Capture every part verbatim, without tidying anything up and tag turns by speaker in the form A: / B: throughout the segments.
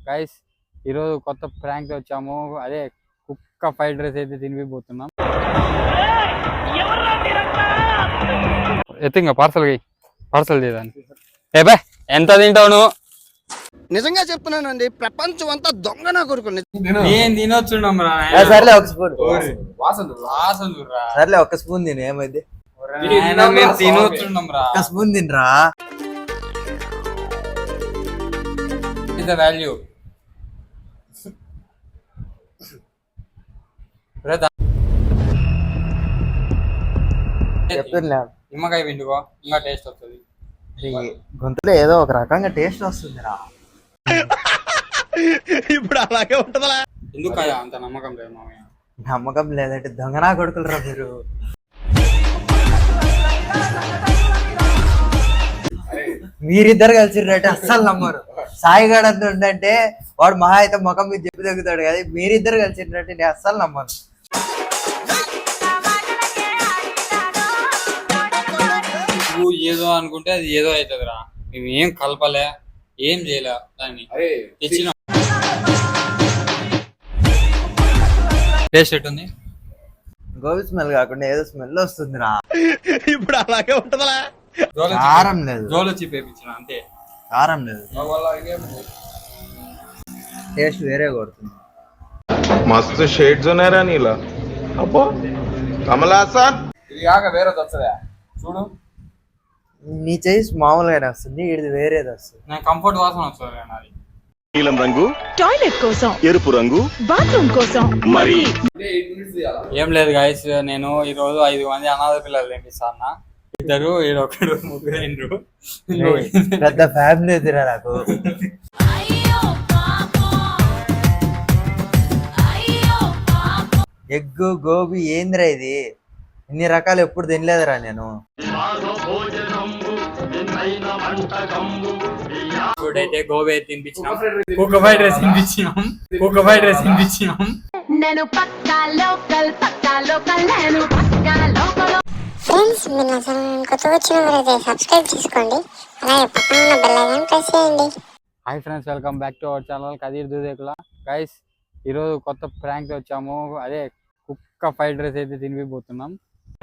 A: Guys ఈరోజు కొత్త prank వచ్చాము. అదే కుక్క ఫ్రైడ్ రైస్ అయితే తినిపిపోతున్నాం. ఎత్తింగా పార్సల్ పార్సల్ చేయడానికి. ఏ బా ఎంత తింటావు నువ్వు?
B: నిజంగా చెప్తున్నానండి, ప్రపంచం అంతా దొంగ నా కొడుకు.
A: నేను తినొచ్చున్నాం రా.
C: సర్లే ఒక స్పూన్ సర్లే ఒక స్పూన్ తిను, ఏమైంది?
A: తినొచ్చున్నాం రా.
C: ఒక స్పూన్ తినరా.
A: Is the value.
C: చెప్తున్నా
A: నిమ్మకాయ పిండుకో, ఇంకా టేస్ట్ వస్తుంది.
C: గొంతులో ఏదో ఒక రకంగా టేస్ట్ వస్తుందిరా.
B: ఇప్పుడు అలాగే ఉంటదా?
A: ఎందుకు అంత నమ్మకం లేదు మామయ్య?
C: నమ్మకం లేదంటే దొంగనా కొడుకులరా మీరు. మీరిద్దరు కలిసిరంటే అస్సలు నమ్మరు. సాయిగాడు అంత ఉండంటే వాడు మహా అయితే ముఖం మీద చెప్పి తగ్గుతాడు కదా, మీరిద్దరు కలిసిరంటే నేను అస్సలు నమ్మను.
A: ఏదో అనుకుంటే అది ఏదో అవుతుందిరా. మేము ఏం కలపలే, ఏం చేయలే, దాన్ని తెచ్చినాం. టేస్ట్ ఎట్టుంది?
C: గోబీ స్మెల్ కాకుండా ఏదో స్మెల్ వస్తుందిరా.
B: ఇప్పుడు అలాగే ఉంటదా?
C: కారం లేదు,
A: జోలు వచ్చి పేపించిన అంతే.
C: కారం లేదు, టేస్ట్ వేరే కొడుతుంది.
D: మస్తు షేడ్స్ ఉన్నాయరా నీలా. అబ్బో కమలాసన్
A: ఇది కాక వేరేది వస్తుందా చూడు.
C: నీ చేసి మామూలుగానే వస్తుంది, ఇది వేరేది వస్తుంది.
A: నాకు కంఫర్ట్ వాసన వస్తుంది. నాది
E: నీలం రంగు టాయిలెట్ కోసం, ఎరుపు రంగు బాత్రూమ్ కోసం. మరి
A: ఏం లేదు గాయస్, నేను ఈ రోజు ఐదు మంది అనాథ పిల్లలు తినిపిస్తాను. ఇద్దరు ఈడొకడు ముగ్గురు
C: పెద్ద ఫ్యామిలీ ఎదురా నాకు. ఎగ్గు గోబీ ఏందిరా ఇది? ఇన్ని రకాలు ఎప్పుడు తినలేదురా నేను.
A: అయితే గోబీ తినిపించినాం, కుక్క ఫ్రైడ్ రైస్ తినిపించినాం, కుక్క ఫ్రైడ్ రైస్ తినిపించినాం.
F: నేను పక్కా లోకల్, పక్కా లోకల్, నేను పక్కా లోకల్.
G: ఫ్రెండ్స్, మీరు నా ఛానల్ కొత్తగా వచ్చిన వారైతే సబ్స్క్రైబ్ చేసుకోండి, అలాగే పక్కన ఉన్న బెల్ ఐకాన్ ప్రెస్ చేయండి.
A: Hi friends, welcome back to our channel Kadeer Dudekula. Guys ఈరోజు కొత్త ప్రాంక్ వచ్చాము. అదే కుక్క ఫ్రైడ్ రైస్ అయితే తినిపిపోతున్నాం.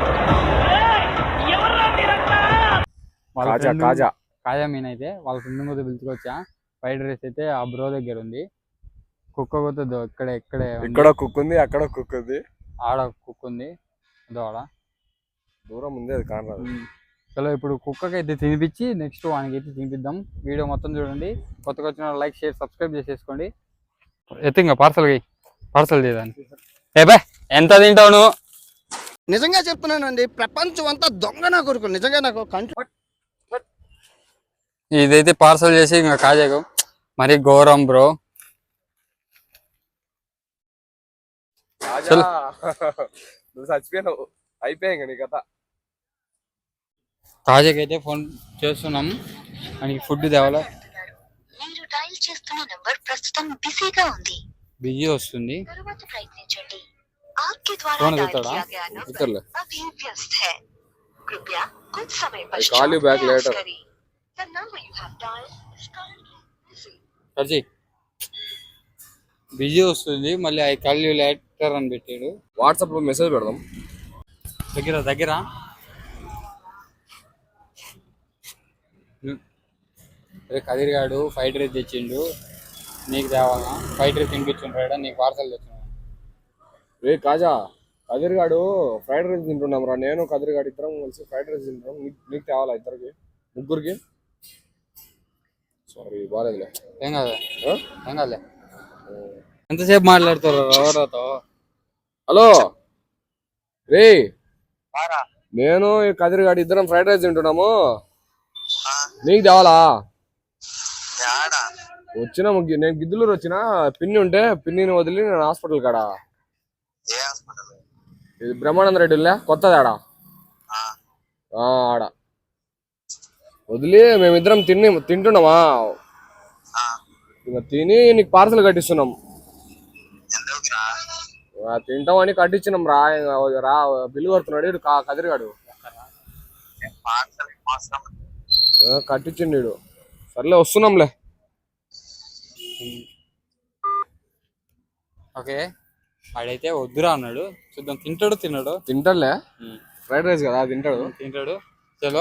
A: కాజా కాజా మీన్ అయితే వాళ్ళ ఫ్రెండ్ మీద పిలుచుకొచ్చా. ఫ్రైడ్ రైస్ అయితే ఆ బ్రో దగ్గర ఉంది. కుక్క కొత్తదో ఇక్కడ ఇక్కడే
D: ఇక్కడ కుక్ ఉంది, అక్కడ కుక్ ఉంది,
A: ఆడ కుక్ ఉంది, అదో ఆడ
D: దూరం ఉంది, అది కానరాదు.
A: చలో ఇప్పుడు కుక్కకి అయితే తినిపించి నెక్స్ట్ వానికి అయితే తినిపిద్దాం. వీడియో మొత్తం చూడండి. కొత్తగా వచ్చిన లైక్ షేర్ సబ్స్క్రైబ్ చేసేసుకోండి. ఎత్తింగా పార్సల్ పార్సల్ చేయడానికి. ఏ బా ఎంత తింటావు నువ్వు?
B: నిజంగా చెప్తున్నానండి, ప్రపంచం అంతా దొంగ నా కొడుకు. నిజంగా నాకు కంట్రోల్.
A: ఇదైతే పార్సల్ చేసి ఇంకా కాజాకు మరి ఘోరం బ్రో.
D: నువ్వు చచ్చిపోయినావు, అయిపోయాయి నీ కథ.
A: కాజాకి అయితే ఫోన్ చేస్తున్నాం, మనకి ఫుడ్ తేవాలా.
G: మీరు డయల్ చేస్తున్న నంబర్ ప్రస్తుతం బిజీగా ఉంది,
A: బిజీ వస్తుంది.
G: తరువాత ప్రయత్నించండి. आपके द्वारा
A: कौन
G: डायल
A: देता
G: किया
A: है?
G: गया
A: इधर ले।
G: नंबर अभी व्यस्त है, कृपया कुछ समय
D: call you
G: पश्चात
D: back
G: प्रयास
D: later.
G: करें. The number you have dialed is currently busy.
A: సర్జీ బిజీ వస్తుంది, మళ్ళీ ఐ కాల్ యూ లేటర్ అని పెట్టాడు.
D: వాట్సాప్ లో మెసేజ్ పెడదాం.
A: దగ్గర దగ్గర అరే కదీర్ గాడు ఫ్రైడ్ రైస్ తెచ్చిండు, నీకు తేవాలా? ఫ్రైడ్ రైస్ తినిపించుంటాడా, నీకు పార్సల్ తెచ్చిన.
D: రే కాజా, కదీర్ గాడు ఫ్రైడ్ రైస్ తింటున్నాం రా. నేను కదీర్ గాడు ఇద్దరం కలిసి ఫ్రైడ్ రైస్ తింటున్నాం. నీకు తేవాలా? ఇద్దరికి ముగ్గురికి? సారీ బాగాలేదులే.
A: ఏం కాదు ఏం కాదులే. ఎంతసేపు మాట్లాడతారు ఎవరితో?
D: హలో రే, నేను కదీర్ గాడు ఇద్దరం ఫ్రైడ్ రైస్ తింటున్నాము. నీకు తేవాలా? వచ్చిన ముగ్గు నేను గిద్దలూరు వచ్చిన, పిన్ని ఉంటే పిన్నిని వదిలి నేను హాస్పిటల్ కాడా. ఇది బ్రహ్మానంద రెడ్డి కొత్తది ఆడ ఆడ వదిలి మేమిద్దరం తిని తింటున్నామా. ఇంకా తిని నీకు పార్సల్ కట్టిస్తున్నాం. తింటామని కట్టించినాం రా. రా బిల్లు కడుతున్నాడు కదిరిగాడు, కట్టించిండు. సర్లే వస్తున్నాంలే.
A: ఓకే వాడైతే వద్దురా అన్నాడు, చూద్దాం తింటాడు తిన్నాడు.
D: తింటాడులే, ఫ్రైడ్ రైస్ కదా తింటాడు.
A: తింటాడు. చలో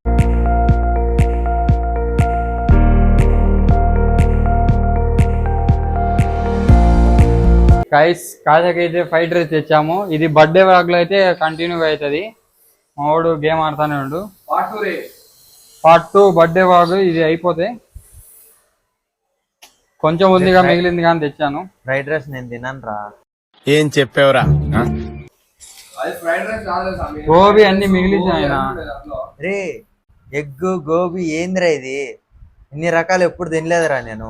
A: గైస్, కాజాకి అయితే ఫ్రైడ్ రైస్ తెచ్చాము. ఇది బర్త్డే వ్లాగ్ లో అయితే కంటిన్యూగా అవుతుంది. మావాడు గేమ్ ఆడుతానే ఉండు. పార్ట్ టూ బర్త్డే వ్లాగ్ ఇది అయిపోతే కొంచెం ఉందిగా మిగిలింది కానీ తెచ్చాను.
C: ఫ్రైడ్ రైస్ నేను తినను రా.
E: ఏం చెప్పావురా?
A: గోబీ అన్ని మిగిలింది ఆయన.
C: రే ఎగ్ గోబీ ఏందిరా ఇది? ఇన్ని రకాలు ఎప్పుడు తినలేదురా నేను.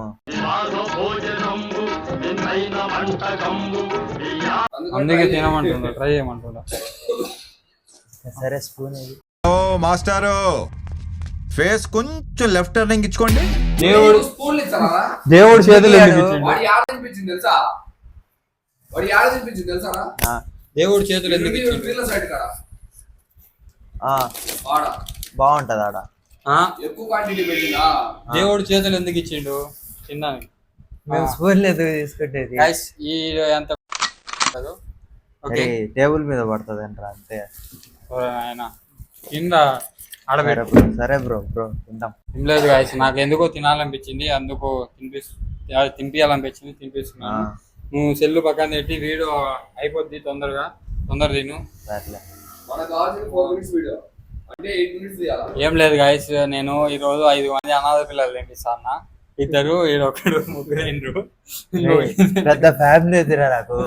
A: అందుకే తినమంటుండ, ట్రై చేయమంటుండ.
C: సరే స్పూన్
H: ఓ మాస్టారు, ఫేస్ కొంచెం లెఫ్ట్ టర్నింగ్ ఇచ్చుకోండి.
A: దేవుడు దేవుడు చేతులు ఎందుకు
B: తెలుసా? వాడి ఆడ తినిపించింది తెలుసా?
A: దేవుడు చేతులు ఎందుకు ఇచ్చిండు?
C: బాగుంటది ఆడ.
B: ఎక్కువ క్వాంటిటీ పెట్టినా
A: దేవుడు చేతులు ఎందుకు ఇచ్చిండు? తినడానికి
C: మేము స్పూన్ లేదు తీసుకుంటేది.
A: ఈ ఎంత ఓకే
C: టేబుల్ మీద పడుతుంది అంటారా అంతే.
A: ఆయన కింద ఆడబెట్టు.
C: సరే బ్రో బ్రో తింటాం.
A: తినలేదు గాయస్, నాకు ఎందుకో తినాలనిపించింది, అందుకు తినిపి తినిపించాలనిపించింది తినిపిస్తున్నాను. నువ్వు సెల్లు పక్కన పెట్టి వీడియో అయిపోద్ది తొందరగా, తొందర తిను. ఏం లేదు గాయస్, నేను ఈ రోజు ఐదు మంది అనాథ పిల్లలు తినిపిస్తాను. ఇద్దరు ఈడొకడు ముగ్గురు అయినరు.
C: పెద్ద ఫ్యామిలీ ఎదురా నాకు.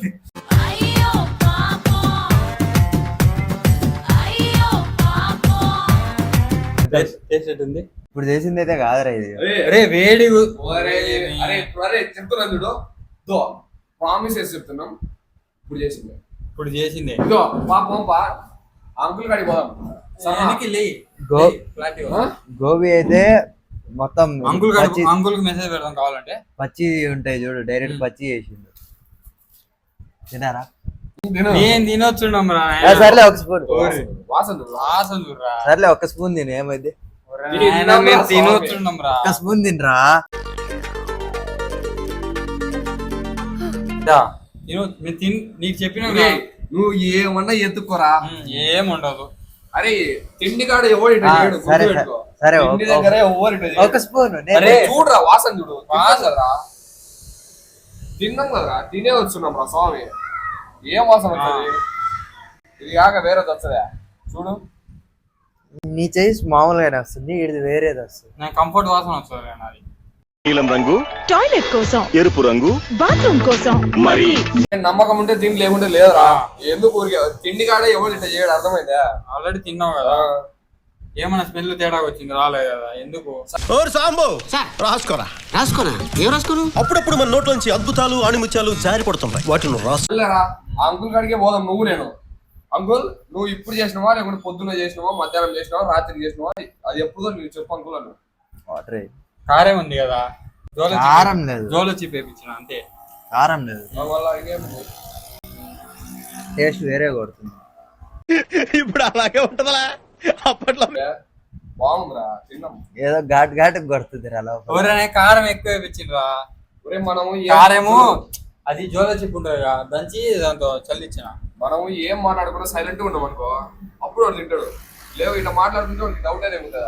C: ఇప్పుడు చేసింది అయితే కాదురా ఇది.
A: అరే వేడి
B: చెప్తున్నాను చూడు, ప్రామిస్ చేసి చెప్తున్నాం. ఇప్పుడు చేసింది
A: ఇప్పుడు చేసింది
B: ఇదో పాపం పా అంకుల్ కాడికి పోదాం.
C: గోబీ అయితే మొత్తం
A: అంకుల్ అంకుల్ కి మెసేజ్ పెడదాం కావాలంటే.
C: పచ్చి ఉంటాయి చూడు, డైరెక్ట్ పచ్చి చేసిండు. తినారా?
A: నేను తినొచ్చున్నాం రా.
C: సర్లే ఒక స్పూన్. సర్లే ఒక స్పూన్ తిను, ఏమైంది?
A: తినొచ్చున్నాం రా.
C: ఒక స్పూన్ తినరా.
A: నీకు చెప్పిన
B: నువ్వు ఏమన్నా ఎత్తుకోరా,
A: ఏముండదు.
B: అరే తిండి కాడ ఎవరు
C: సరే సరే
B: దగ్గర ఎవరు
C: ఒక స్పూన్.
B: చూడరా వాసన చూడు, వాసనరా తిన్నాం కదరా, తినే వచ్చున్నాం రా స్వామి. ఏం వాసన వస్తుంది? ఇది కాక వేరేది వస్తుందా చూడు.
C: నీ చేసి మామూలుగానే వస్తుంది, ఇది వేరేది వస్తుంది.
A: నాకు కంఫర్ట్ వాసన వస్తుంది నాది.
E: నీలం రంగు
F: టాయిలెట్ కోసం,
E: ఎరుపు రంగు
F: బాత్రూమ్ కోసం.
E: మరి
B: నమ్మకం ఉంటే తిండి లేకుంటే లేదురా. ఎందుకు ఊరికే తిండి కాడ ఎవరు ఇట్లా చేయడం అర్థమైందా?
A: ఆల్రెడీ తిన్నావు కదా, ఏమన్నా స్మెల్ తేడా వచ్చింది రాలేదు కదా, ఎందుకు?
H: ఓర్ సాంబో రాసుకోరా.
B: రాసుకోనా? ఏం రాసుకోను?
H: అప్పుడప్పుడు మన నోట్లోంచి అద్భుతాలు ఆణిముత్యాలు జారి పడుతుంటాయి, వాటిని రాసు.
B: అంకుల్ కాడికే పోదాం నువ్వు నేను. అంకుల్ నువ్వు ఇప్పుడు చేసినావా లేకుంటే పొద్దున్న చేసినావా, మధ్యాహ్నం చేసినావా, రాత్రి చేసినావా? అది ఎప్పుడో నువ్వు చెప్పు అంకుల్ అను.
A: కారం ఉంది కదా,
C: కారం లేదు,
A: జోలో చిప్ వేయించిన అంతే.
C: కారం లేదు, టేస్ట్ వేరే కొడుతుంది.
H: ఇప్పుడు అలాగే ఉంటదా? అప్పట్లో
B: బాగుందిరా, తిన్నాం.
C: ఏదో ఘాట్ ఘాట్ కొడుతుంది రా.
A: ఎవరైనా కారం ఎక్కువ వేయించిండ్రా.
B: మనము
A: కారేమో అది జోలో చిప్ ఉంటుంది కదా, దంచి దాంతో చల్లిచ్చిన.
B: మనము ఏం మాట్లాడకుండా సైలెంట్ గా ఉన్నాం అనుకో, అప్పుడు వాడు తింటాడు. లేవు ఇట్లా మాట్లాడుతుంటే వాడికి డౌట్ అనేది ఉంటుందా?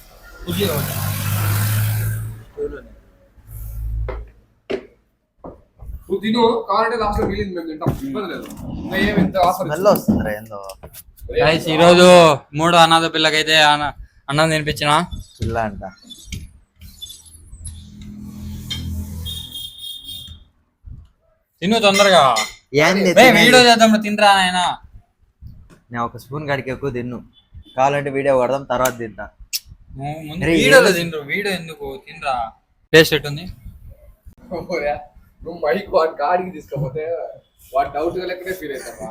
B: నువ్వు తిను, కావాలంటే లాస్ట్ లో మిగిలింది మేము తింటాం, ఇబ్బంది లేదు. ఇంకా ఏమి ఇంత ఆఫర్
C: స్మెల్ వస్తుందిరా ఏందో.
A: ఈ రోజు మూడో అనాథ పిల్లకైతే అన్నం తినిపించిన.
C: పిల్ల అంట
A: తిను తొందరగా, వీడియో చేద్దాం. తినరా ఆయన.
C: నేను ఒక స్పూన్ కాడికి ఎక్కువ తిన్ను, కావాలంటే వీడియో కొడదాం తర్వాత తింటా.
A: వీడియోలో తినరు, వీడియో ఎందుకు? తినరా. టేస్ట్ ఎట్టుంది?
B: నువ్వు మైక్ వాడి కాడికి తీసుకపోతే వాడు డౌట్ గా లెక్కనే ఫీల్ అవుతారా?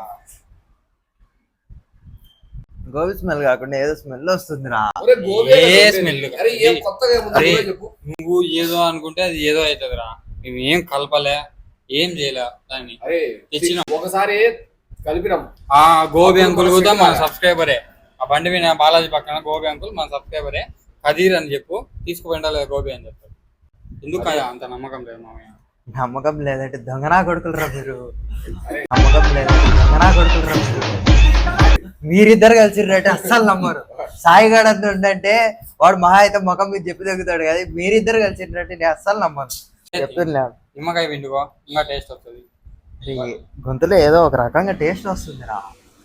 C: గోబీ స్మెల్ కాకుండా ఏదో స్మెల్ వస్తుందిరా.
A: ఏ స్మెల్? నువ్వు ఏదో అనుకుంటే అది ఏదో అవుతుందిరా. మేము ఏం కలపలే, ఏం చేయలే దాన్ని. తెచ్చినాం
B: ఒకసారి కలిపినాం.
A: ఆ గోబీ అంకుల్ కూడా మన సబ్స్క్రైబరే. ఆ బండి మీద బాలాజీ పక్కన గోబీ అంకుల్ మన సబ్స్క్రైబరే. కదీర్ అని చెప్పు, తీసుకుపోయిందా లేదా గోబీ అని చెప్తాడు. ఎందుకు అంత నమ్మకం లేదు మామయ్య?
C: నమ్మకం లేదంటే దొంగనా కొడుకులరా మీరు. నమ్మకం లేదంటే దొంగనా కొడుకులరా మీరు. మీరిద్దరు కలిసిర్రంటే అస్సలు నమ్మరు. సాయిగాడు అంత ఉండంటే వాడు మహా అయితే ముఖం మీద చెప్పి తగ్గుతాడు కదా, మీరిద్దరు కలిసిర్రంటే నేను అస్సలు నమ్మను. చెప్తున్నా
A: నిమ్మకాయ పిండుకో ఇంకా టేస్ట్ వస్తుంది.
C: గొంతులో ఏదో ఒక రకంగా టేస్ట్ వస్తుంది రా.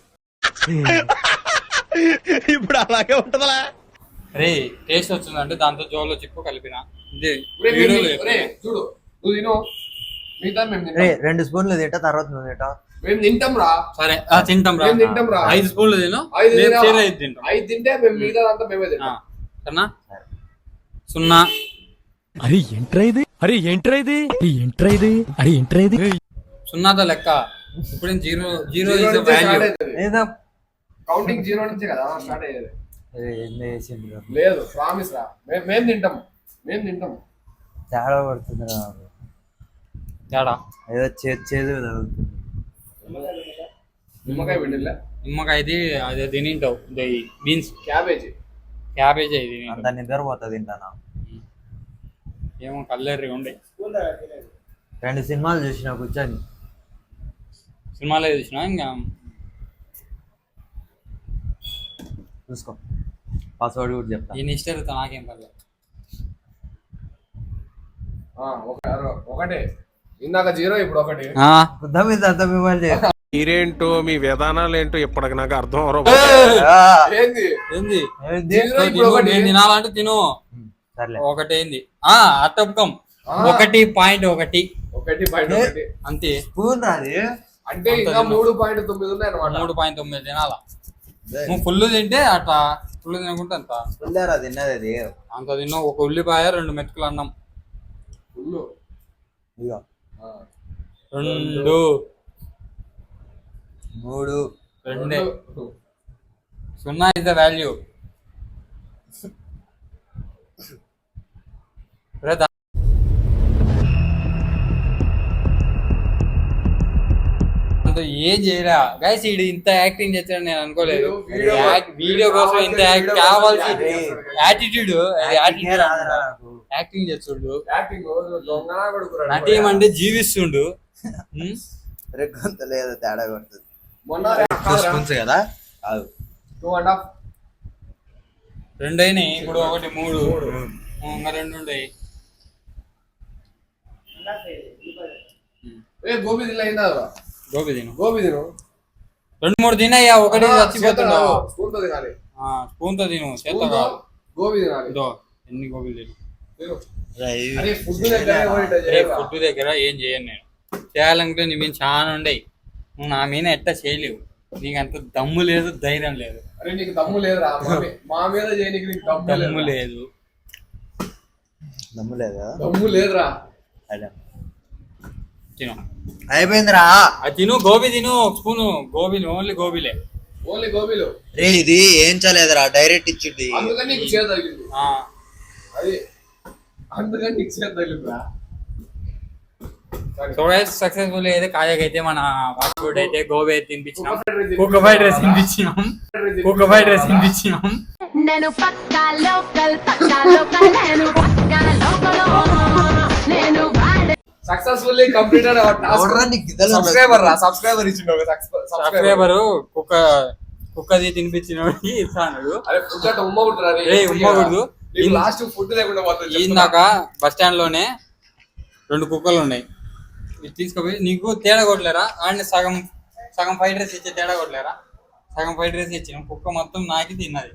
E: ఇప్పుడు అలాగే ఉంటదా?
A: రే టేస్ట్ వచ్చిందంటే దాంతో జోలో చిప్పు కలిపిన ఇదే
B: ఒరే,
A: వీడియోలో
B: ఒరే,
A: చెప్పు.
B: ఒరే, చూడు నువ్వు తిను, మిగతా మేము
C: రే
B: తింటాం.
C: రెండు స్పూన్లు తింటా, తర్వాత నువ్వు తింటా.
B: మేము తింటాం రా.
A: సరే ఆ, తింటాం రా.
B: మేము తింటాం రా.
A: ఐదు స్పూన్లు తిను,
B: ఐదు
A: రేపు
B: తినాలా?
A: చేరు ఐదు తింటాం.
B: ఐదు తింటే మేము మిగతా అంతా మేమే
A: ఆ,
B: తింటాం.
A: సరేనా? సున్నా
I: అరే ఏంట్రా ఇది? అరే ఏంట్రా ఇది? అరే ఏంట్రా ఇది? అరే ఏంట్రా ఇది?
A: సున్నాతో లెక్క. ఇప్పుడు జీరో జీరో
B: జీరో
A: ఇస్
B: నుంచే
A: వాల్యూ.
B: స్టార్ట్ అవుతుంది.
C: ఏదో
B: కౌంటింగ్ జీరో నుంచే కదా స్టార్ట్ అయ్యేది.
C: ఎన్ని వేసిండు రా.
B: లేదు ప్రామిస్ రా, మేము మేము తింటాం, మేము తింటాం.
C: తేడా పడుతుంది రా నాకు.
A: తేడా
C: ఏదో చేదు చేదు తగులుతుంది.
B: నిమ్మకాయ పిండిలే,
A: నిమ్మకాయది అదే తినింటావు బీన్స్
B: క్యాబేజీ.
A: క్యాబేజ్ ఇది
C: అంత నిద్రపోతుంది తింటానా.
A: ఏమో కల్లెర్రి ఉండే.
C: రెండు సినిమాలు చూసిన కూర్చొని.
A: సినిమాలో చూసినా ఇంకా
C: చూసుకో, పాస్వర్డ్ కూడా చెప్తా.
A: ఈ ఇష్టం నాకేం పర్లేదు.
B: ఆ, ఒక- ఒకటే ఇందాక జీరో, ఇప్పుడు ఒకటి.
A: ఆ,
C: గుద్ద మీద అంత మిమ్మల్ని
I: మీరేంటో మీ విధానాలు ఏంటో ఇప్పటికి నాకు అర్థం అవరు.
B: ఏంది
A: ఏంది
C: ఏంది?
B: జీరో, ఇప్పుడు
A: తిను,
B: ఒకటి.
A: నేను తినాలంటే తిను.
C: సర్లే
A: ఒకటేంది ఆ అట్టపకం
B: ఆ.
A: ఒకటి పాయింట్ ఒకటి
B: ఒకటి పాయింట్ ఒకటి
A: అంతే.
C: స్పూన్ రాది.
B: అంటే ఇంకా మూడు పాయింట్ తొమ్మిది ఉన్నాయి అనమాట.
A: మూడు పాయింట్ తొమ్మిది తినాలా. నువ్వు ఫుల్ తింటే అట్లా ఫుల్ తినకుంటే అంత
C: ఫుల్లేరా తిన్నది అది.
A: అంత తిన్నావు. ఒక ఉల్లిపాయ రెండు మెతుకులు అన్నం.
B: ఫుల్
C: ఇదిగో
A: రెండు
C: మూడు
A: రెండే. సున్నా ఇస్ ద వాల్యూ. ఏం చేయరా గైస్, ఈడు ఇంత యాక్టింగ్ చేస్తాడు నేను అనుకోలేదు.
B: వీడియో-
A: యాక్- వీడియో కోసం ఇంత యాక్ట్ కావాల్సి యాటిట్యూడ్ యాటిట్యూడ్
C: రాదురా నాకు.
A: యాక్టింగ్ చేస్తుండు.
B: యాక్టింగ్ దొంగనా కొడుకురా.
A: నటీం అంటే జీవిస్తుండు. ఉమ్,
C: రే గొంతులో ఏదో తేడా కొడుతుంది.
B: మొన్న
C: స్పూన్స్ కదా కాదు.
B: Two and half.
A: రెండైనాయి ఇప్పుడు ఒకటి మూడు ఇంకా రెండు ఉండయి.
B: ఏ గోబీ తినలే అయిందా?
A: గోబీ తిను.
B: గోబీ తిను.
A: రెండు మూడు తినయ్యా, ఒకటి చచ్చిపోతున్నావు.
B: స్పూన్ తో తినాలి.
A: స్పూన్ తో తిను, చేత
B: స్పూన్ తో
A: కాదు.
B: గోబీ తినాలి.
A: ఇదో ఎన్ని గోబీలు తిను.
B: తిను.
C: రే, ఇవి-
B: అరే ఫుడ్ దగ్గర ఎవరు ఇట్లా
A: రేపు
B: చేయరా?
A: ఫుడ్ దగ్గర ఏం చేయను నేను. చేయాలనుకుంటే నీ మీద చాలా ఉండయి. నువ్వు నా మీద ఎట్టా చేయలేవు. నీకు అంత దమ్ము లేదు, ధైర్యం లేదు.
B: అరే నీకు దమ్ము లేదురా. మా మీ- మా మీద చేయనీకి నీకు దమ్ము
A: దమ్ము
B: లేదు.
A: లేదు.
C: దమ్ము లేదా?
B: దమ్ము లేదురా.
C: అదే.
A: తిను
C: అయిపోయిందిరా.
A: అది తిను, గోబీ తిను. స్పూను గోబీలు, ఓన్లీ గోబీలే.
B: ఓన్లీ గోబీలు.
C: రే ఇది ఏం చలేదురా, డైరెక్ట్ ఇచ్చింది.
B: అందుకని నీకు చేత తగిలింది.
A: ఆ,
B: అది అందుకని నీకు చేత తగిలిందిరా.
A: సో గైస్ సక్సెస్ఫుల్ అయితే కాజాకైతే మన ఫాస్ట్ ఫుడ్ అయితే గోబీ అయితే తినిపించినాం. కుక్క ఫ్రైడ్ రైస్ తినిపించినాం. కుక్క ఫ్రైడ్ రైస్ తినిపించినాం.
F: నేను పక్కా లోకల్ పక్కా లోకల్ నేను పక్కా లోకల్ నేను వాడే
B: సక్సెస్ఫుల్లీ కంప్లీటెడ్ అవర్ టాస్క్.
C: ఎవడ్రా నీకు గిద్దలు
B: సబ్స్క్రైబర్ రా, సబ్స్క్రైబర్ ఇచ్చిండు ఒక సబ్స్క్రైబర్.
A: సబ్స్క్రైబర్ కుక్క కుక్కది తినిపించిన ఇస్తాను.
B: అరే ఫుడ్ అంటే ఉమ్మకూడదురా రే.
A: రేయ్, ఉమ్మకూడదు.
B: నీకు లాస్ట్ ఫుడ్ లేకుండా పోతుంది.
A: ఇందాక బస్ స్టాండ్ లోనే రెండు కుక్కలు ఉన్నాయి. ఇది తీసుకుపోయి నీకు తేడా కొట్టలేరా? ఆడిని సగం సగం ఫ్రైడ్ రైస్ ఇచ్చే తేడా కొట్టలేరా? సగం ఫ్రైడ్ రైస్ ఇచ్చిన కుక్క మొత్తం నాకి తిన్నది.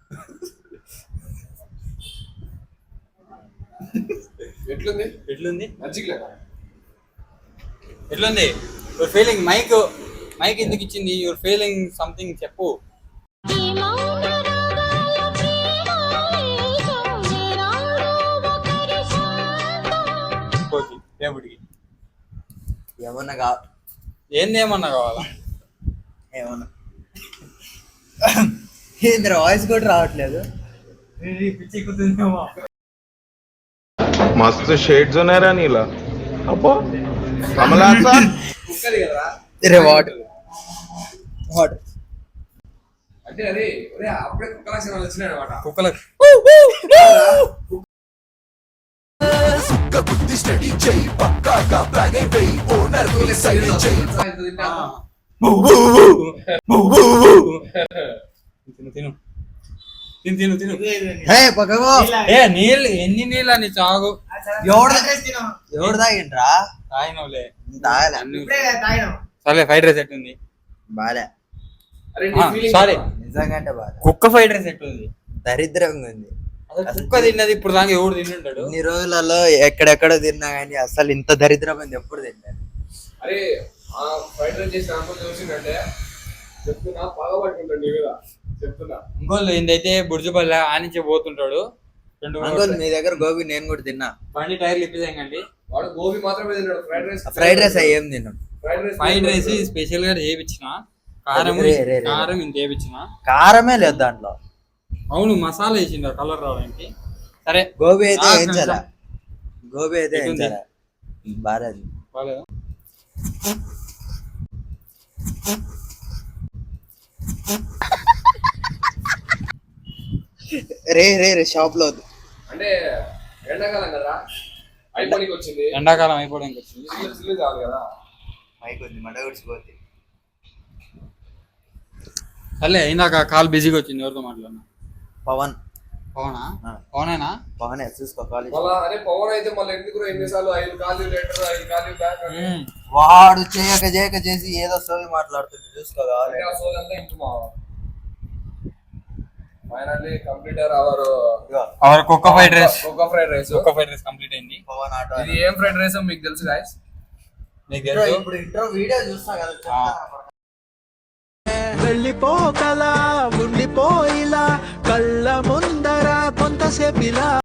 B: ఎట్లుంది?
A: ఎట్లుంది
B: మంచిగా
A: ఎట్లుంది యువర్ ఫీలింగ్? మైక్ మైక్ ఎందుకు ఇచ్చింది? యువర్ ఫీలింగ్ సంథింగ్ చెప్పు. కోతి దేవుడికి
C: ఏమన్నా కా
A: ఏంది ఏమన్నా కావాలా?
C: ఏమన్నా ఏంద్ర వాయిస్ కూడా రావట్లేదు.
A: పిచ్చి కుతుందేమో.
H: मस्त शेड जो नाही राणीला अप्पो कमला असा
B: కుక్కది కదరా.
C: రే వాటర్ వాటర్
B: అంటే అరే ఒరే అప్పుడే కుక్క లక్షణాలు వచ్చినాయి అనమాట.
A: కుక్కలకు
H: सुक्का बुद्धि स्टडी जय पक्का का
A: తిను తిను తిను తిను తిను
C: హే పక్కకు
A: ఏ నీళ్ళు ఎన్ని నీళ్ళు అని చాగు
C: ఎవడు ఎవడు తాగిండ్రా
A: తాగినవులే
C: తాగలే
A: సరే ఫ్రైడ్ రైస్ ఎట్టుంది
C: బాలే
A: సారీ
C: నిజంగా అంటే బాలే
A: కుక్క ఫ్రైడ్ రైస్ ఎట్టుంది
C: దరిద్రంగా ఉంది
A: అసలు కుక్క తిన్నది ఇప్పుడు దాకా ఎవడు తింటుంటాడు
C: ఇన్ని రోజులలో ఎక్కడెక్కడో తిన్నా కానీ అసలు ఇంత దరిద్రమైంది ఎప్పుడు తిన్నాను.
B: అరే ఆ ఫ్రైడ్ రైస్ చేసిన అంకుల్ చూసిందంటే చెప్తున్నా బాగా పట్టుకుంటాడు నీ మీద చెప్తున్నా.
A: ఇంకోళ్ళు ఏందైతే బుర్జుపల్లి ఆనించి పోతుంటాడు రెండు
C: అంకుల్ మీ దగ్గర గోబీ నేను కూడా తిన్నా.
A: బండి టైర్లు ఇప్పిదేయండి.
B: వాడు గోబీ మాత్రమే తిన్నాడు, ఫ్రైడ్ రైస్
C: ఫ్రైడ్ రైస్ ఏం తిన్నాను.
B: Fried rice
A: fried rice special గా చేయించిన కారం
C: రే, రే, రే.
A: కారం ఇంత చేయించిన
C: కారమే లేదు దాంట్లో.
A: అవును మసాలా వేసిండు కలర్ రావడానికి. సరే
C: గోబీ అయితే
A: ఆ,
C: ఏం
A: కొంచెం.
C: చాలా గోబీ అయితే ఏం
A: ఎట్లుంది?
C: చాలా బాలేదు.
A: బాగాలేదా
C: రే రే రే షాప్ లో వద్దు.
B: అంటే ఎండాకాలం కదా అయిపోయి వచ్చింది,
A: ఎండాకాలం అయిపోవడానికి వచ్చింది.
B: సిల్లు సిల్లు కావాలి కదా.
C: మైక్ ఉంది మడ గుడిచిపోతే.
A: సర్లే ఇందాక కాల్ బిజీగా వచ్చింది. ఎవరితో మాట్లాడినా
C: పవన్
A: పవనా
C: ఆ.
A: పవనేనా
C: పవనే చూసుకో కాలేజ్.
B: మళ్ళా అరే పవన్ అయితే మళ్ళీ ఎందుకు ఎన్నిసార్లు ఐదు కాలు లెటర్ ఐదు కాలు బ్యాక్ అంటే
C: వాడు చేయక చేయక చేసి ఏదో సోది మాట్లాడుతుంది చూసుకో కావాలి.
B: ఆ సోదంతా ఇంటుమా. ఫైనల్లీ కంప్లీటర్ అవర్
A: అవర్ కుక్క ఫ్రైడ్ రైస్
B: కుక్క ఫ్రైడ్ రైస్.
A: కుక్క ఫ్రైడ్ రైస్ కంప్లీట్ అయింది.
C: పవన్ ఆటో
B: ఇది ఏం ఫ్రైడ్ రైస్ మీకు తెలుసు గాయస్?
A: నీకు తెలుసు
C: ఇప్పుడు ఇంట్రో వీడియో చూస్తా కదా చెప్తానా?
I: వెళ్ళిపోకలా ఉండిపోయిలా కళ్ళ ముందర కొంతసేపిలా